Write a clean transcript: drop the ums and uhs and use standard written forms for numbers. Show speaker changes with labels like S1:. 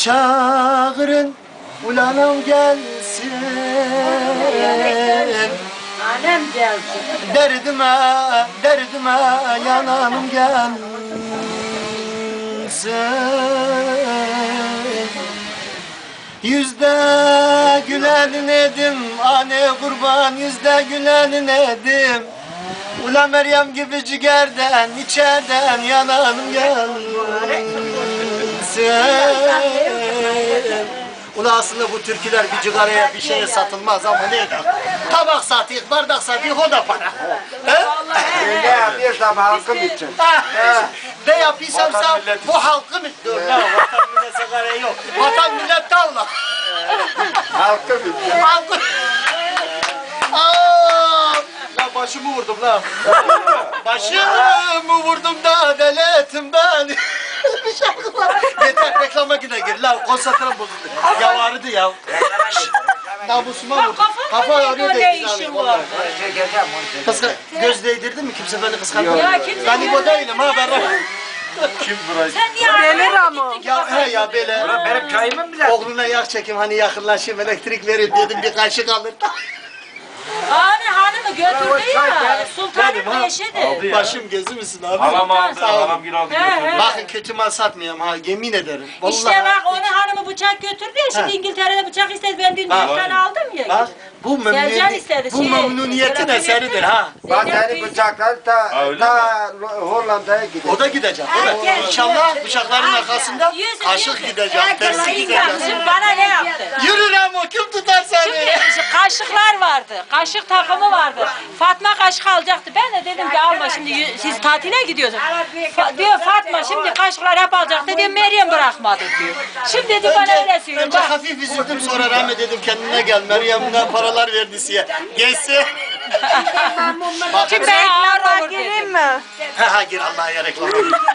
S1: çağırın, ulanım gelsin.
S2: Annem gelsin.
S1: Derdime yananım gelsin. Yüzde gülen nedim, anne kurban yüzde gülen nedim. Ula Meryem gibi ciğerden, içerden yananım gelsin. Ula aslında bu türküler bir cigaraya bir şeye satılmaz ama neydi? Tabak satıyık, bardak satıyık, o da para. He?
S3: Ne yapıyorsam halkım için.
S1: Ne yapıyorsam bu halkım istiyor. Ne vatan millet sigaraya yok. Vatan millet tavla.
S3: Halkım için.
S1: Halkım. Aa! Lan başımı vurdum lan. Başımı vurdum da deli ettim ben. Bir şarkı var. Yeter reklama yine gir lan. Konsantrem bozuldu. Ya vardı ya. Namusuma vurdu. Kafa ağrıyor da
S2: işin var?
S1: göz değdirdin mi? Kimse beni kıskanmıyor.
S2: Ya kimse
S1: Ben İbo değilim ha ben.
S3: Kim burası?
S2: Sen niye
S4: Deli Ramo.
S1: Ya he ya böyle.
S3: Benim çayımı bile.
S1: Oğluna yağ çekim hani yakınlaşayım elektrik verin dedim bir kaşık alır.
S2: Hani hanımı götürdü ya.
S1: Benim
S2: Sultanın
S1: ha.
S2: eşidir.
S1: Başım gözü müsün abi?
S5: Halam aldı,
S1: Sağ olun.
S5: halam gir aldı
S2: He,
S5: götürdü.
S2: he.
S1: Bakın kötü mal satmayayım ha yemin ederim. Vallahi.
S2: İşte bak onu hanımı bıçak götürdü ya. Şimdi
S1: Ha.
S2: İngiltere'de bıçak istedi. Ben dün
S1: Ha.
S2: dükkan aldım ya.
S1: Bak bu
S2: Sercan istedi,
S1: bu
S2: şey,
S1: memnuniyetin
S2: Serap
S1: eseridir
S2: Yönetmen.
S1: ha.
S3: Vatani bıçaklar
S5: öyle
S3: ta Hollanda'ya gidiyor.
S1: O da gidecek. O da.
S2: Herkes-
S1: İnşallah bıçakların
S2: Herkes-
S1: arkasında
S2: Yüzü,
S1: kaşık
S2: yüzü.
S1: gidecek,
S2: Herkes
S1: tersi
S2: ayı
S1: gidecek.
S2: Şimdi bana ne yaptı?
S1: Yürü lan o kim tutar seni?
S2: Şimdi kaşıklar vardı. Kaşık takımı vardı. Fatma kaşık alacaktı. Ben de dedim ki alma şimdi siz tatile gidiyorsunuz. Diyor Fatma şimdi kaşıklar hep alacaktı diyor. Meryem bırakmadı diyor. Şimdi dedi bana öyle söylüyor.
S1: Önce
S2: Bak.
S1: hafif üzüldüm sonra rahmet dedim kendine gel. Meryem'den paralar verdi size. Geçse. Bak,
S2: Şimdi ben ağır olur
S4: Gireyim
S2: dedim.
S4: mi?
S1: ha gir Allah'a ya reklam.